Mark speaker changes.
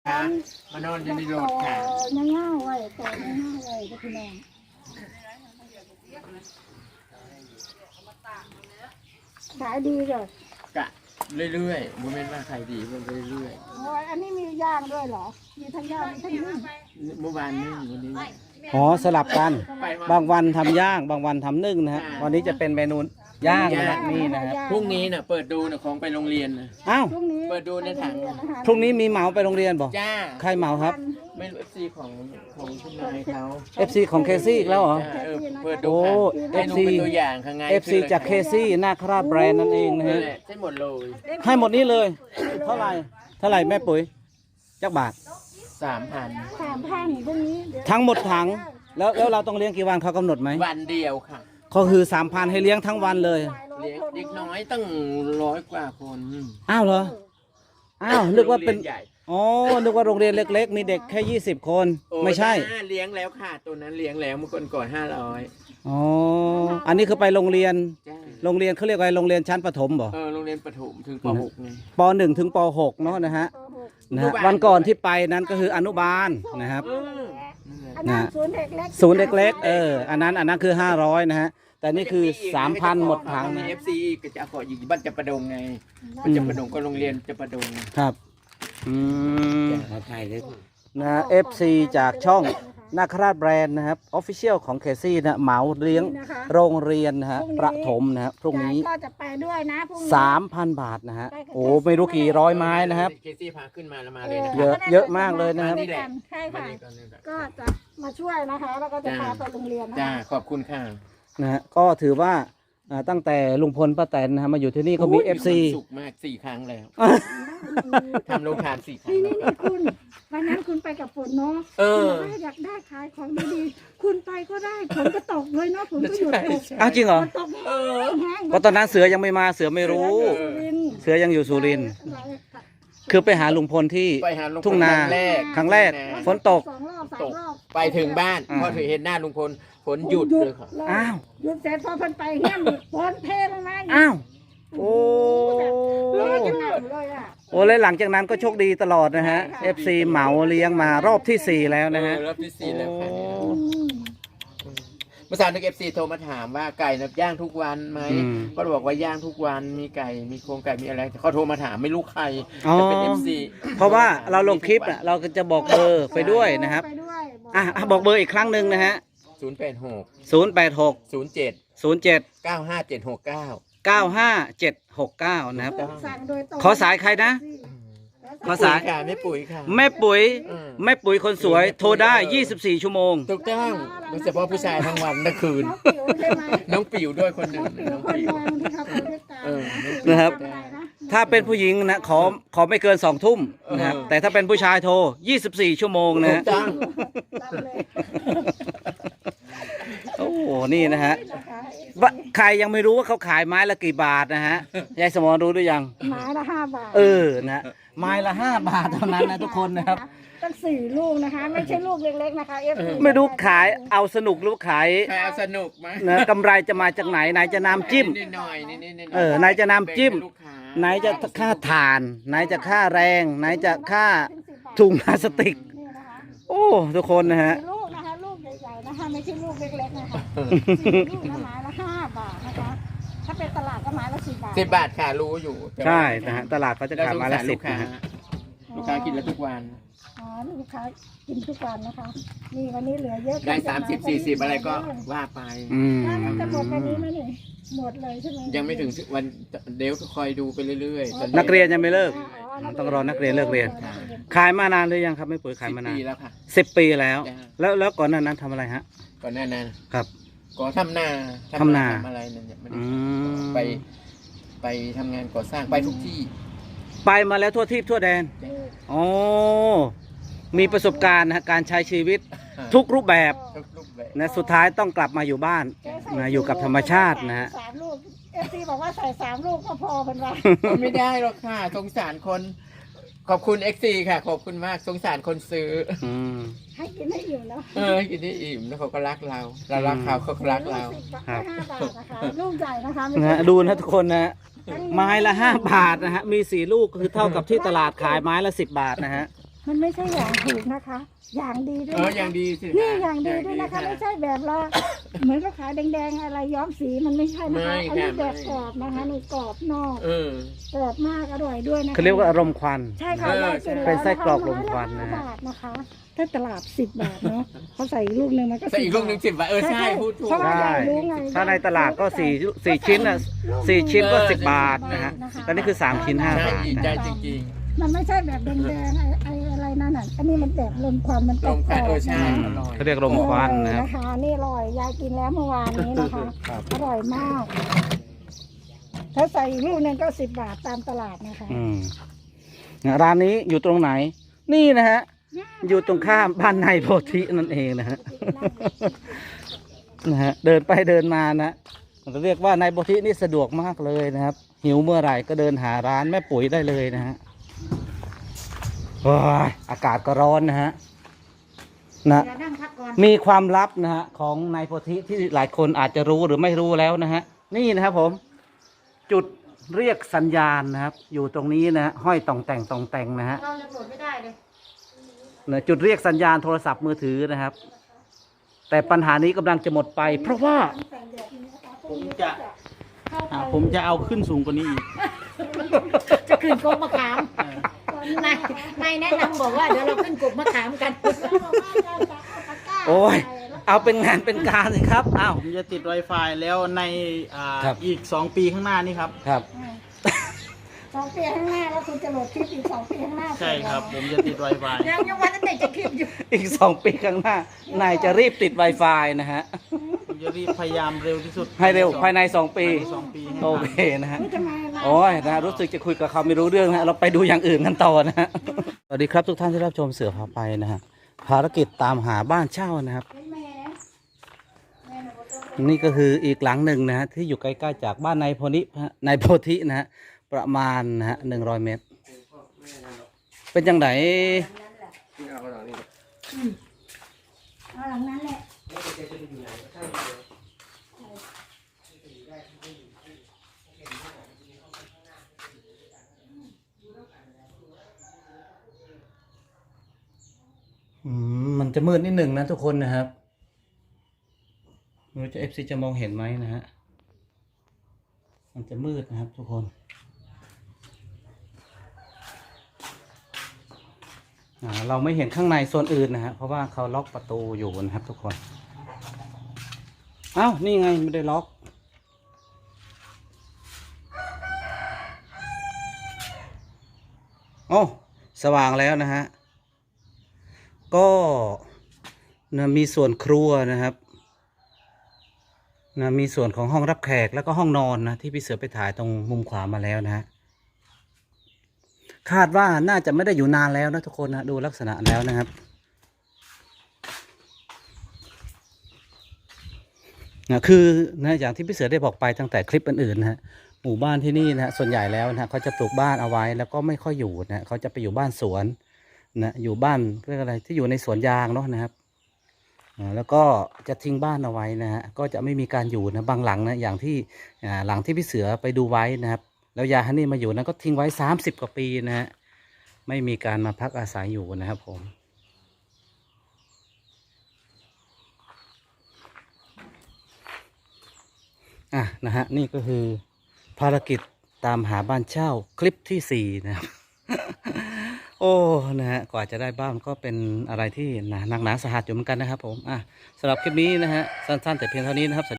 Speaker 1: ค่ะมานอนอยู่ในรถค่ะ
Speaker 2: ง่ายๆไว้แต่ง่ายๆไว้ก็คือแม่ขายดีเลย
Speaker 1: กะเรื่อยๆโมเมนต์ว่าใครดีมันไปเรื่อย
Speaker 2: โอ้ยอันนี้มีย่างด้วยเหรอมีทั้งย่างมีทั้งนึ่ง
Speaker 1: ๆเมื่อวานนึ่งวันนี้
Speaker 3: อ๋อสลับกัน
Speaker 1: ไป
Speaker 3: บางวันทำย่างบางวันทำนึ่งนะฮะวันนี้จะเป็นเมนูย่างนะฮะนี่นะครับ
Speaker 1: พรุ่งนี้น่ะเปิดดูน่ะของไปโรงเรียนนะ
Speaker 3: อ้าว
Speaker 2: พรุ่งนี้
Speaker 1: เปิดดูในถัง
Speaker 3: พรุ่งนี้มีเหมาไปโรงเรียนบ่
Speaker 1: จ้า
Speaker 3: ใครเหมาครับ
Speaker 1: ไม่รู้ FC ของคุณนายเขา
Speaker 3: FC ของเคซี่อีกแล้วเหรอ
Speaker 1: จ้าเปิดดู
Speaker 3: โอ้
Speaker 1: ค่ะให้ดู
Speaker 3: FC
Speaker 1: เป็นตัวอย่างข้างใน
Speaker 3: FC จากเคซี่นาคราชแบรนด์นั่นเองนะ
Speaker 1: นั่
Speaker 3: ฮะ
Speaker 1: นแหละใช่หมดเลย
Speaker 3: ให้หมดนี้เลย เท่าไหร่แม่ปุ๋ยจักบาท
Speaker 1: 3,000
Speaker 2: 3,000พรุ่งนี้เดี๋ยว
Speaker 3: ทั้งหมดถังแล้วเราต้องเลี้ยงกี่วันเขากำหนดไหม
Speaker 1: วันเดียวค่ะ
Speaker 3: ก็คือ 3,000 ให้เลี้ยงทั้งวันเลย
Speaker 1: เลี้ยงเด็กน้อยตั้ง100 กว่าคน
Speaker 3: อ้าวเหรออ้าวนึกว่าเป็น
Speaker 1: โรงรียใหญ่
Speaker 3: อ๋อนึกว่าโรงเรียนเล็กๆ มีเด็กแค่20 คน
Speaker 1: โอ้
Speaker 3: ไม่ใช่
Speaker 1: จ้าเลี้ยงแล้วค่ะตัวนั้นเลี้ยงแล้วเมื่อก่อน500
Speaker 3: อ๋ออันนี้คือไปโรงเรียน
Speaker 1: จ้า
Speaker 3: โรงเรียนเขาเรียกว่าโรงเรียนชั้นประถมบ่
Speaker 1: โรงเรียนประถมถึงป .6 ไง
Speaker 3: ป .1 ถึงป .6 เนาะนะฮะ
Speaker 2: ป
Speaker 3: นะฮะ
Speaker 1: อนุบาล
Speaker 3: วันก่อนที่ไปนั้นก็คืออนุบาลนะครับ
Speaker 2: อันนั้นศูนย์เด็กเล็ก
Speaker 3: ศูนย์เล็กๆอันนั้นคือ500นะฮะแต่นี่คือ 3,000 หมดถัง
Speaker 1: มี
Speaker 3: นะ
Speaker 1: FC ก็จะขออยู่บ้านจะประดงไงบ้านจะประดงก็โรงเรียนจะประดง
Speaker 3: ครับอืม
Speaker 1: ขอถ่ายเลย
Speaker 3: นะฮะ FC จากช่องนาคราชแบรนด์นะครับออฟฟิเชียลของเคซี่นะเหมาเลี้ยงโรงเรียนนะฮะประถมนะฮะพรุ่งนี้
Speaker 2: ก็จะไปด้วยนะพรุ่งนี้
Speaker 3: 3,000 บาทนะฮะโอ้ไม่รู้กี่ร้อยไม้นะครับ
Speaker 1: เคซี่พาขึ้นมาแล้วมาเลยนะ
Speaker 3: เยอะมากเลยนะครับ
Speaker 2: มาด้วยกัใช่
Speaker 1: มา
Speaker 2: ค่ะ
Speaker 1: นี่ก่อนนี่แหละ
Speaker 2: ก็จะมาช่วยนะคะ แล้วก็จะพาไปโรงเรียนนะ
Speaker 1: จ้า
Speaker 2: คะ
Speaker 1: ขอบคุณค่ะ
Speaker 3: นะฮะก็ถือว่าตั้งแต่ลุงพลป้าแตนนะฮะมาอยู่ที่นี่ก็มี
Speaker 1: โอ้ย
Speaker 3: FC
Speaker 1: ความสุขมาก4 ครั้งแล้วทำโรงทาน4 ครั้ง
Speaker 2: นี่คุณวันนั้นคุณไปกับฝนเนาะ คุณอยากได้ขายของดีๆคุณไปก็ได้ฝนก็ตกเลยเนาะฝนก็หยุดตก
Speaker 3: อ้าวจริงเหรอ
Speaker 2: ฝนตกแห้ง
Speaker 3: เพราะตอนนั้นเสือยังไม่มาเสือไม่รู้ เสือยังอยู่สุรินทร์คือไปหาลุงพลที่
Speaker 1: ไปหาลุงพล
Speaker 3: ทุ่งนา ครั้งแรกฝนตก
Speaker 2: 2 รอบ 3 รอบ
Speaker 1: ไปถึงบ้านพอถึงเห็นหน้าลุงพลฝนหยุดเลยค่ะ
Speaker 3: อ้าว
Speaker 2: หยุดเสร็จพอเพิ่นไปแห้งฝนเทลงมาอีก
Speaker 3: อ้าวโอ้
Speaker 2: ร้อนจังเลยอ่ะ
Speaker 3: โอ้เลยหลังจากนั้นก็โชคดีตลอดนะฮะ FC เหมาเลี้ยงมารอบที่ 4 แล้วนะฮะ
Speaker 1: รอบที่4แล้วค่ะ
Speaker 3: โอ้
Speaker 1: เมื่อเช้านัก FC โทรมาถามว่าไก่นับย่างทุกวันไหม
Speaker 3: อืม
Speaker 1: ก็บอกว่าย่างทุกวันมีไก่มีโครงไก่มีอะไรเขาโทรมาถามไม่รู้ใคร
Speaker 3: อ๋อ
Speaker 1: จะเป็น FC
Speaker 3: เพราะว่าเราลงคลิปอ่ะเราก็จะบอกเบอร์ไปด้วยนะครับ
Speaker 2: ไปด้วย
Speaker 3: บอกเบอร์อีกครั้งหนึ่งนะฮะ
Speaker 1: 086
Speaker 3: 086
Speaker 1: 07
Speaker 3: 07
Speaker 1: 95769
Speaker 3: 95769นะครับ
Speaker 2: สั่งโดยตรง
Speaker 3: ขอสายใครนะ ขอสาย
Speaker 1: ค่ะไม่ปุ๋ยค่ะ
Speaker 3: แม่ปุ๋ย
Speaker 1: อืม
Speaker 3: แม่ปุ๋ยคนสวยโทรได้ 24 ชั่วโมง
Speaker 1: ถูกต้องโดยเฉพาะผู้ชายทั้งวันทั้งคืน
Speaker 2: น้องปิ๋วใช่ไหม
Speaker 1: น้องปิ๋วด้วยคนหนึ่ง
Speaker 2: ปิ๋ว
Speaker 1: น้อง
Speaker 2: คน
Speaker 1: ปิ๋ว
Speaker 2: มองที่เขาไปด้วยกัน
Speaker 3: นะครับ
Speaker 2: ทำอะไรนะ
Speaker 3: ถ้าเป็นผู้หญิงนะขอไม่เกิน 2 ทุ่มนะครับแต่ถ้าเป็นผู้ชายโทร 24 ชั่วโมงนะ
Speaker 1: ถู
Speaker 3: ฮะ
Speaker 1: กต้อง
Speaker 2: รับเลย
Speaker 3: โอ้โหนี่นะฮะ
Speaker 2: นะคะ
Speaker 3: ว่าใครยังไม่รู้ว่าเขาขายไม้ละกี่บาทนะฮะยายสมรรู้หรือยัง
Speaker 2: ไม้ละ5 บาท
Speaker 3: นะฮะไม้ละ 5 บาทเท่านั้นนะทุกคนนะครับ
Speaker 2: ตั้ง4 ลูกนะคะ ไม่ใช่ลูกเล็กๆนะคะ FC
Speaker 3: ไม่รู้ขายเอาสนุกหรือขาย
Speaker 1: ใครเอาสนุกไหม
Speaker 3: นะกำไรจะมาจากไหนจะน้ำจิ้ม
Speaker 1: นิดหน่อยนิดๆ
Speaker 3: ไหนจะน้ำจิ้ม
Speaker 1: แบ่งให้ลูกค้า
Speaker 3: ไหนจะค่าถ่าน ไหนจะค่าแรง ไหนจะค่าถุงพลาสติก
Speaker 2: นี่นะคะ
Speaker 3: โอ้ทุกคนนะฮะ
Speaker 2: 4 ลูกนะคะ ลูกใหญ่ๆนะคะ ไม่ใช่ลูกเล็กๆนะคะ4 ลูกนะไม้ละ5 บาทนะคะ ถ้าเป็นตลาดก็ไม้ละ10 บาท
Speaker 1: 10 บาทค่ะรู้อยู่แต่ว่า
Speaker 3: ใช่นะฮะตลาดเขาจะขายมาละ
Speaker 1: แล้ว
Speaker 3: สิ
Speaker 1: ลู
Speaker 3: บ
Speaker 1: กค้า
Speaker 3: นะฮะ
Speaker 1: ลูกค้ากินแล้วทุกวัน
Speaker 2: อ๋อลูกค้ากินทุกวันนะคะ นี่วันนี้เหลือเยอะ
Speaker 1: ได้30-40อะไรก็ว่าไป
Speaker 3: อืม
Speaker 2: มันจะหมดวันนี้ไหมนี่หมดเลยใช่ไหม
Speaker 1: ยังไม่ถึงวันเดี๋ยวก็คอยดูไปเรื่อยๆตอ
Speaker 3: นักเรียนยังไม่เลิก ต้องรอนักเรียนเลิกเรียน ขายมานานหรือยังครับไม่ปุ๋ยขาย
Speaker 1: 10
Speaker 3: มานาน
Speaker 1: ปีแล้วค่ะ
Speaker 3: 10 ปีแล้ว
Speaker 1: จ้ะ
Speaker 3: แล้วก่อนหน้านั้นทำอะไรฮะ
Speaker 1: ก่อนหน้านั้น
Speaker 3: ครับ
Speaker 1: ก็ทำนา
Speaker 3: ทำนา
Speaker 1: ทำอะไรนั่นเนี่ยไม่ได้
Speaker 3: อืม
Speaker 1: ไปทำงานก่อสร้างไปทุกที่
Speaker 3: ไปมาแล้วทั่วทิพย์ทั่วแดนอ๋อมีประสบการณ์นะฮะการใช้ชีวิตทุกรูปแบบ
Speaker 1: ทุกรูปแบบ
Speaker 3: นะสุดท้ายต้องกลับมาอยู่บ้านนะอยู่กับธรรมชาตินะฮะ
Speaker 2: 3 ลูก FC บอกว่าใส่3 ลูกก็พอเป็นว่า
Speaker 1: ไม่ได้หรอกค่ะสงสารคน ขอบคุณ XC ค่ะ ขอบคุณมากสงสารคนซื้อ
Speaker 3: อืม
Speaker 2: ให้กินให้อิ่มเนาะ
Speaker 1: ให้กินได้อิ่มแล้วเขาก็รักเราเรารักเขาเขาก็รักเรา
Speaker 3: ครับ
Speaker 2: 5 บาทนะคะลูกใหญ่นะคะไม่
Speaker 3: นะ
Speaker 2: ใช่
Speaker 3: ฮะดูนะทุกคนนะฮะไม้ละ5 บาทนะฮะมี4 ลูกคือเท่ากับที่ตลาดขายไม้ละ10 บาทนะฮะ
Speaker 2: มันไม่ใช่อย่างถูกนะคะ อย่างดีด้วย
Speaker 1: อย่างดีสิ
Speaker 2: นี่อย่างดีด้วยนะคะ ไม่ใช่แบบละเหมือนก็ขายแดงๆอะไรย้อมสีมันไม่ใช่นะคะอันนี้แบบกรอบนะคะนี่กรอบนอกกรอบมากอร่อยด้วยนะคะ
Speaker 3: เขาเรียกว่าอารมณ์ควัน
Speaker 2: ใช่ค่ะได้กินแล้ว
Speaker 3: เป็นไส้กรอกลมควันนะ
Speaker 2: 5 บาทนะคะ ถ้าตลาด10 บาทเนาะเขาใส่อีกลูกหนึ่งมันก็
Speaker 1: แต่อีกลูกหนึ่ง10 บาทใช่พูดถูก
Speaker 2: เพราะว่า
Speaker 3: ใช่
Speaker 2: เรารู้ไง
Speaker 3: ถ้าในตลาดก็สี่ชิ้นอ่ะ4 ชิ้นก็10 บาทนะฮะตอนนี้คือ3 ชิ้น 5 บาท
Speaker 1: ใจ
Speaker 3: นะ
Speaker 1: จริง
Speaker 2: มันไม่ใช่แบบแดงๆไอ้อะไรนั่นน่ะอันนี้มันแบบลมควันมัน
Speaker 1: ๆ
Speaker 2: ก
Speaker 1: ล
Speaker 2: รอบ
Speaker 1: ง
Speaker 2: ๆ
Speaker 1: ค่ะใช่
Speaker 2: นะคะ
Speaker 1: อร่อย
Speaker 3: เขาเรียกลมควันนะครับ
Speaker 2: นะคะนี่อร่อยยายกินแล้วเมื่อวานนี้นะคะ
Speaker 3: ครับ
Speaker 2: อร่อยมาก ถ้าใส่อีกลูกหนึงก็10 บาทตามตลาดนะคะ
Speaker 3: ร้านนี้อยู่ตรงไหน นี่นะฮะ อยู่ตรงข้ามบ้านในโพธินั่นเองนะฮะ นะฮะ เดินไปเดินมานะเราเรียกว่าในโพธินี่สะดวกมากเลยนะครับ หิวเมื่อไหร่ก็เดินหาร้านแม่ปุ๋ยได้เลยนะฮะโอ้ยอากาศก็ร้อนนะฮะนะ
Speaker 2: เดี๋ยวนั่งพักก่อน
Speaker 3: มีความลับนะฮะของนายโพธิที่หลายคนอาจจะรู้หรือไม่รู้แล้วนะฮะนี่นะครับผม จุดเรียกสัญญาณนะครับ อยู่ตรงนี้นะฮะห้อยต่องแต่งนะฮะ
Speaker 2: เราจะโหลดไม่ได้เลย
Speaker 3: นะจุดเรียกสัญญาณโทรศัพท์มือถือนะครับ แต่ปัญหานี้กำลังจะหมดไป เพราะว่า
Speaker 4: ผมจะเอาขึ้นสูงกว่านี้อีก
Speaker 5: จะขึ้นกบมะขามนายแนะนำบอกว่าเดี๋ยวเราขึ้นกบมะขามกัน
Speaker 3: โอ้ยเอาเป็นงานเป็นการสิครับอ้าว
Speaker 4: ผมจะติด Wi-Fi แล้วใน
Speaker 3: ครับ
Speaker 4: อีก 2 ปีข้างหน้านี่ครับ
Speaker 3: ครับ
Speaker 2: 2 ปีข้างหน้าแล้วคุณจะโหลดคลิปอีก2 ปีข้างหน้า
Speaker 4: ใช่ครับ ผมจะติด Wi-Fi
Speaker 5: ยังวันนั้นไหนจะคลิปอยู่
Speaker 3: อีก2 ปีข้างหน้านายจะรีบติด Wi-Fi นะฮะ
Speaker 4: ผมจะรีบพยายามเร็วที่สุด
Speaker 3: ให้เร็วภายใน2 ปี
Speaker 4: 2 ปีให้
Speaker 3: โอ
Speaker 4: ทัน
Speaker 3: เคนะฮะ
Speaker 2: ไม่ทำไมล่ะ
Speaker 3: โอ้ยนะรู้สึกจะคุยกับเขาไม่รู้เรื่องนะเราไปดูอย่างอื่นกันต่อนะฮะ สวัสดีครับทุกท่านที่รับชมเสือพาไปนะฮะภารกิจตามหาบ้านเช่านะครับ นี่ก็คืออีกหลังหนึ่งนะฮะที่อยู่ใกล้ๆจากบ้านนายโพธินะฮะประมาณนะฮะ100 เมตร เป็นจังได
Speaker 2: เอาหลังนั้นแหละ
Speaker 3: มันจะมืดนิดหนึ่งนะทุกคนนะครับไม่รู้จะ FC จะมองเห็นไหมนะฮะมันจะมืดนะครับทุกคนเราไม่เห็นข้างในโซนอื่นนะฮะเพราะว่าเขาล็อกประตูอยู่นะครับทุกคนอ้าวนี่ไงไม่ได้ล็อกโอ้สว่างแล้วนะฮะก็นะมีส่วนครัวนะครับนะมีส่วนของห้องรับแขกแล้วก็ห้องนอนนะที่พี่เสือไปถ่ายตรงมุมขวามาแล้วนะฮะคาดว่าน่าจะไม่ได้อยู่นานแล้วนะทุกคนนะดูลักษณะแล้วนะครับนะคือนะอย่างที่พี่เสือได้บอกไปตั้งแต่คลิปอื่นๆนะฮะหมู่บ้านที่นี่นะฮะส่วนใหญ่แล้วนะฮะเขาจะปลูกบ้านเอาไว้แล้วก็ไม่ค่อยอยู่นะเขาจะไปอยู่บ้านสวนนะอยู่บ้านเรียกอะไรที่อยู่ในสวนยางเนาะนะครับแล้วก็จะทิ้งบ้านเอาไว้นะฮะก็จะไม่มีการอยู่นะบางหลังนะอย่างที่หลังที่พี่เสือไปดูไว้นะครับแล้วยายฮันนี่มาอยู่นั้นก็ทิ้งไว้30 กว่าปีนะฮะไม่มีการมาพักอาศัยอยู่นะครับผมนะฮะนี่ก็คือภารกิจตามหาบ้านเช่าคลิปที่4นะครับ โอ้นะฮะกว่าจะได้บ้านก็เป็นอะไรที่หนักหนาสาหัสอยู่เหมือนกันนะครับผมสำหรับคลิปนี้นะฮะสั้นๆแต่เพียงเท่านี้นะครับ